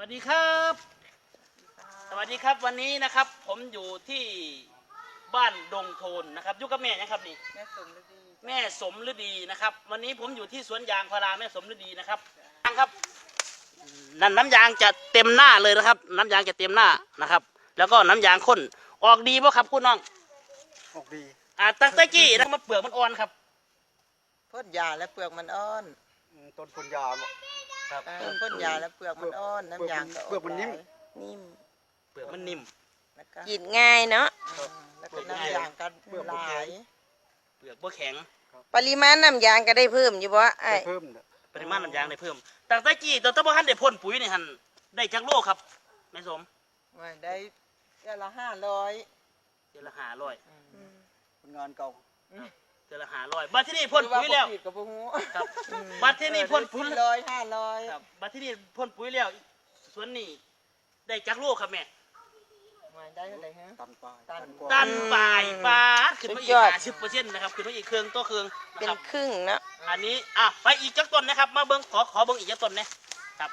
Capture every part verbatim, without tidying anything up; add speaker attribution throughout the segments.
Speaker 1: วัสดีครับสวัสดีครับวันนี้นะครับผมอยู่ที่บ้านดงโทนนะครับอยู่กับแม่นะครับนี่
Speaker 2: แม่สมฤดี
Speaker 1: แม่สมฤดีนะครับวันนี้ผมอยู่ที่สวนยางพาราแม่สมฤดีนะครับครับนั่นน้ำยางจะเต็มหน้าเลยนะครับน้ำยางจะเต็มหน้านะครับแล้วก็น้ำยางข้นออกดีป่ะครับคุณน้อง
Speaker 3: ออกดี
Speaker 1: อ่าตั้งแต่กี้นะมันเปลือกมันอ่อนครับ
Speaker 2: พ่นยาและเปลือกมันอ่อน
Speaker 3: ต้นพ่นยา
Speaker 1: ครับ
Speaker 2: ต้นพ่นยาและเปลือกมันอ่อนน้ำยางก็
Speaker 3: เปลือกมันนิ่ม
Speaker 4: นิ่ม
Speaker 1: เปลือกมันนิ่ม
Speaker 4: กินง่ายเนาะ
Speaker 2: แล้วก็น้ำยางกันหลาย
Speaker 1: เปลือกบ่แข็ง
Speaker 4: ปริมาณน้ำยางก็ได้เพิ่มอยู่บ่ไอ้
Speaker 3: เพิ่ม
Speaker 1: ปริมาณน้ำยางได้เพิ่มตั้งแต่กี้ตอนตะบ่ทันได้พ่นปุ๋ยนี่หันได้จักโลครับแม่สม
Speaker 2: ไม่ได้เดือนละห้าร้อย
Speaker 1: เดือนละห้าร้อย
Speaker 3: ผลงานเก่า
Speaker 1: เดือนละห้าร้อยบัดที่นี่พ่นปุ๋ยแล้ว
Speaker 2: กับพวกหู
Speaker 1: ครับบัดที่นี่พ่นปุ๋ย
Speaker 2: ร้อยห้าร้อย
Speaker 1: ครับบัดที่นี่พ่นปุ๋ยแล้วสวนนี่ได้จักโลครับแม่
Speaker 2: ไม่ได้เท่าไหร่ฮะ
Speaker 3: ตันปลาย
Speaker 2: ตัน
Speaker 3: กว่า
Speaker 1: ตันปลายปลาขึ้นมาอีกห้าสิบเปอร์เซ็นต์นะครับขึ้นมาอีกเครื่องตัวเครื่อง
Speaker 4: เป็
Speaker 1: นะ
Speaker 4: น
Speaker 1: ครับ
Speaker 4: ครึ่งเนาะ
Speaker 1: อันนี้อ่ะไปอีกจักต้นนะครับมาเบิ้งขอขอเบิ้งอีกจักต้นนะครับ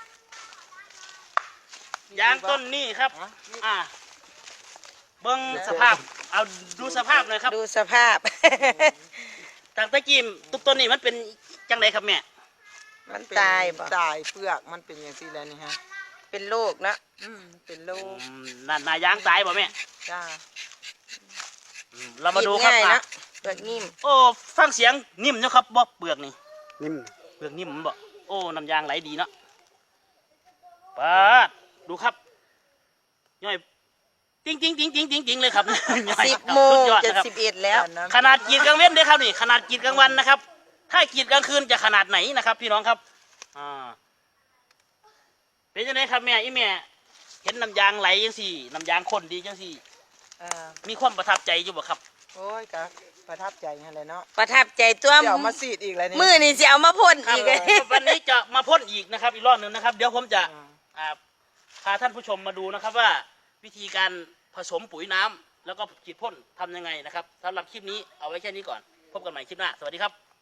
Speaker 1: ยางต้นนี้ครับอ่ะเบิ้งสภาพเอาดูสภาพหน่อยครับ
Speaker 4: ดูสภาพ
Speaker 1: ตั้งแต่กี้ทุกต้นนี่มันเป็นจังไดครับแม่
Speaker 4: มันตายบ่
Speaker 2: ตายเปลือกมันเป็นอย่างที่แล้วนี่ฮะ
Speaker 4: เป็นโรคเนาะ
Speaker 2: อืมเป็นโรค
Speaker 1: อืมนั่นนายางตายบ่แม่
Speaker 2: จ้า
Speaker 1: อืมเรามาดูครับ
Speaker 4: กินง่าย
Speaker 1: อ่ะ
Speaker 4: เนาะเปลือกนิ่ม
Speaker 1: โอ้ฟังเสียงนิ่มเนาะครับบ่เปลือกนี่
Speaker 3: นิ่ม
Speaker 1: เปลือกนิ่มบ่โอ้น้ำยางไหลดีเนาะปาดดูครับย่อยจริงจริงจริงจริงจริงจริงเลยครับ ย่อย
Speaker 4: สิบ
Speaker 1: ครับ
Speaker 4: โมง
Speaker 1: สุดยอด
Speaker 4: จะ
Speaker 1: นะครับ
Speaker 4: สิบเอ็ดแล้ว
Speaker 1: ขนาดกรีดกลางเว้นเด้อครับนี่ขนาดกรีดกลางวันนะครับ ถ้ากรีดกลางคืนจะขนาดไหนนะครับ พี่น้องครับอ่าเป็นยังไงครับแม่อีแม่เห็นน้ำยางไหลจังสี่น้ำยางข้นดีจังสี่
Speaker 2: อ่า
Speaker 1: มีความประทับใจอยู่บ่ครับ
Speaker 2: โอ้ยก็ประทับใจฮะเลยเนาะ
Speaker 4: ประทับใจตัว
Speaker 2: เดี๋ยวมาสีดอีกแล้วนี่
Speaker 4: มือนี่สิเอามาพ่น
Speaker 1: ครับ
Speaker 4: อีก
Speaker 1: วันนี้จะมาพ่นอีกนะครับ อีกรอบหนึ่งนะครับ เดี๋ยวผมจะ
Speaker 2: อ่า
Speaker 1: อ่าพาท่านผู้ชมมาดูนะครับว่าวิธีการผสมปุ๋ยน้ำแล้วก็ฉีดพ่นทำยังไงนะครับสำหรับคลิปนี้เอาไว้แค่นี้ก่อนพบกันใหม่คลิปหน้าสวัสดีครับ